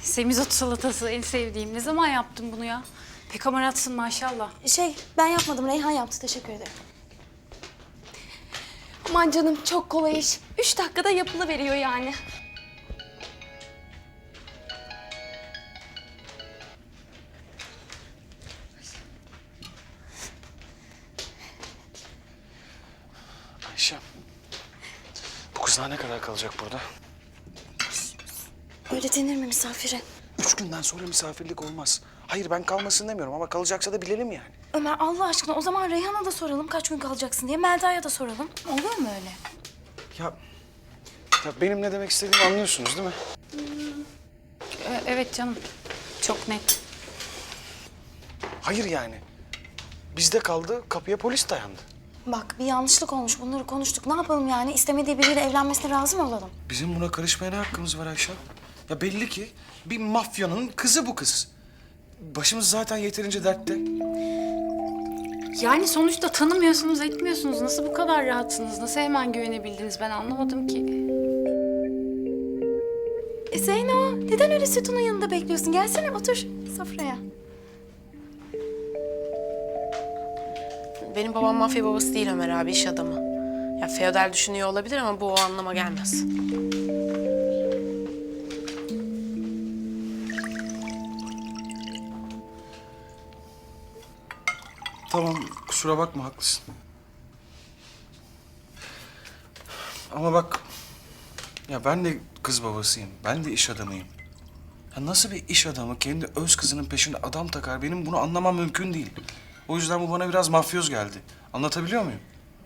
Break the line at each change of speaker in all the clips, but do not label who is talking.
Semizotu salatası en sevdiğim. Ne zaman yaptın bunu ya? Pek amaratsın maşallah.
Ben yapmadım. Reyhan yaptı. Teşekkür ederim. Aman canım çok kolay iş. 3 dakikada yapılıveriyor yani.
Ayşem, bu kız daha ne kadar kalacak burada?
Öyle denir mi misafire?
3 günden sonra misafirlik olmaz. Hayır ben kalmasın demiyorum ama kalacaksa da bilelim yani.
Ömer Allah aşkına o zaman Reyhan'a da soralım kaç gün kalacaksın diye. Melda'ya da soralım. Olur mu öyle?
Ya benim ne demek istediğimi anlıyorsunuz değil mi?
Evet canım. Çok net.
Hayır yani. Bizde kaldı, kapıya polis dayandı.
Bak bir yanlışlık olmuş. Bunları konuştuk. Ne yapalım yani? İstemediği biriyle evlenmesine razı mı olalım?
Bizim buna karışmaya ne hakkımız var Ayşem? Ya belli ki bir mafyanın kızı bu kız. Başımız zaten yeterince dertte.
Yani sonuçta tanımıyorsunuz, etmiyorsunuz. Nasıl bu kadar rahatsınız? Nasıl hemen güvenebildiniz? Ben anlamadım ki.
Zeyno, neden öyle sütunun yanında bekliyorsun? Gelsene otur sofraya.
Benim babam mafya babası değil Ömer abi, iş adamı. Ya feodal düşünüyor olabilir ama bu o anlama gelmez.
Tamam, kusura bakma, haklısın. Ama bak, ya ben de kız babasıyım, ben de iş adamıyım. Ya nasıl bir iş adamı kendi öz kızının peşinde adam takar, benim bunu anlamam mümkün değil. O yüzden bu bana biraz mafyoz geldi. Anlatabiliyor muyum?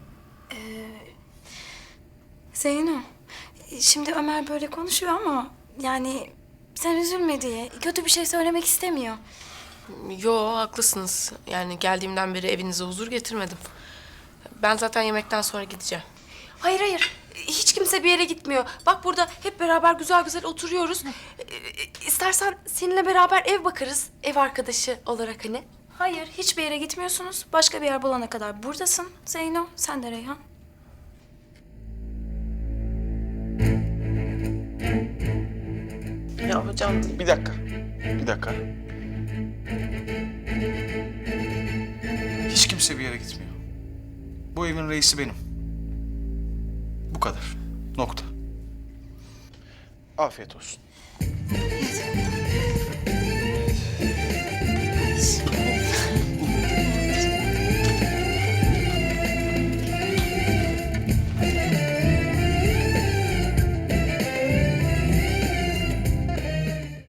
Zeyno, şimdi Ömer böyle konuşuyor ama yani sen üzülme diye kötü bir şey söylemek istemiyor.
Yo, haklısınız. Yani geldiğimden beri evinize huzur getirmedim. Ben zaten yemekten sonra gideceğim.
Hayır hayır. Hiç kimse bir yere gitmiyor. Bak burada hep beraber güzel güzel oturuyoruz. İstersen seninle beraber ev bakarız. Ev arkadaşı olarak hani.
Hayır, hiçbir yere gitmiyorsunuz. Başka bir yer bulana kadar buradasın Zeyno, sen de Reyhan.
Ya hocam,
Bir dakika, bir dakika. Hiç kimse bir yere gitmiyor. Bu evin reisi benim. Bu kadar. Nokta. Afiyet olsun.